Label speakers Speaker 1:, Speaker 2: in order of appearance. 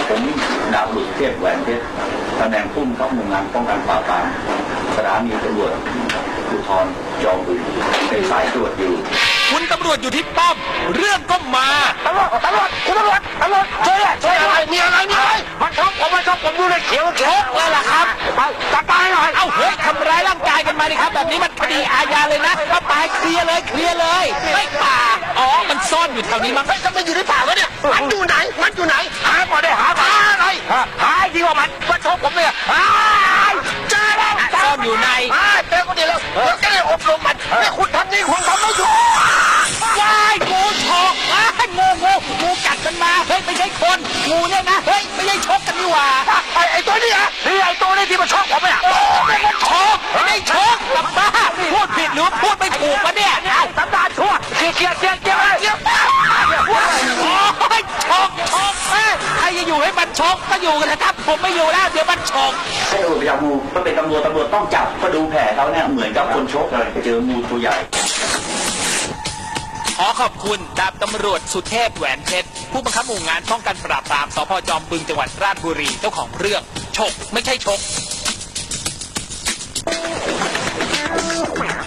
Speaker 1: ผมดาบดุจเทพแหวนเพชรตำแหน่งผู้บังคับหมู่งานป้องกันปราบปรามสถานีตำรวจภูธรจอมบึงเป็นสายตรวจอยู่
Speaker 2: คุณตำรวจอยู่ที่ป้อมเรื่องก็มา
Speaker 3: ตำรวจคุณตำรวจช่วยอะไรมีอะไรมันชกผมดูเลยเขียว
Speaker 2: เลยล่ะครับ
Speaker 3: ไปจับตายหน่อย
Speaker 2: เอ้าเฮ้ยทำร้ายร่างกายกันมาดิครับแบบนี้มันคดีอาญาเลยนะก็ไปเคลียร์เลยไม่ป่าอ๋อมันซ่อนอยู่แถวนี้มั้ง
Speaker 3: จะมันอยู่ในป่าวะเนี่ยมันอยู่ไหนหาก่อนได้หาอะไรหาดีว่ามันชกผมเนี่ยเจอแล้ว
Speaker 2: ซ่อนอยู่ใน
Speaker 3: เจอคนเดียวแล้วจะได้อบรมมันเนี่ยคุณทำนี่คุณทำไม่ถูก
Speaker 2: ว้ายงูฉกว้ายงูกัดกันมาเฮ้ยไม่ใช่คนงูเนี่ยนะเฮ้ยไม่ใช่ชกกันนี่หว่า
Speaker 3: ไอ้ตัวนี้ฮะนี่ไอ้ตัวนี้ที่มันชกผมเนี่ย
Speaker 2: มันชกไม่ได้ชกกลับบ้าพูดผิดหรือพูดไม่ถูกวะเนี่ย
Speaker 3: สันดานชั่วเกียร์
Speaker 2: โอ้ยชกใครจะอยู่ให้มันชกก็อยู่กันนะครับผมไม่อยู่แล้วเดี๋ยวมันชก
Speaker 1: ไอ้โอ้ยงูก็เป็นตำรวจต้องจับก็ดูแผลเขาเนี่ยเหมือนกับคนชกเลยเจองูตัวใหญ่
Speaker 2: ขอขอบคุณดาบตำรวจสุเทพแหวนเพชรผู้บังคับหมู่งานป้องกันปราบปรามสพจอมบึงจังหวัดราชบุรีเจ้าของเรื่องฉกไม่ใช่ชก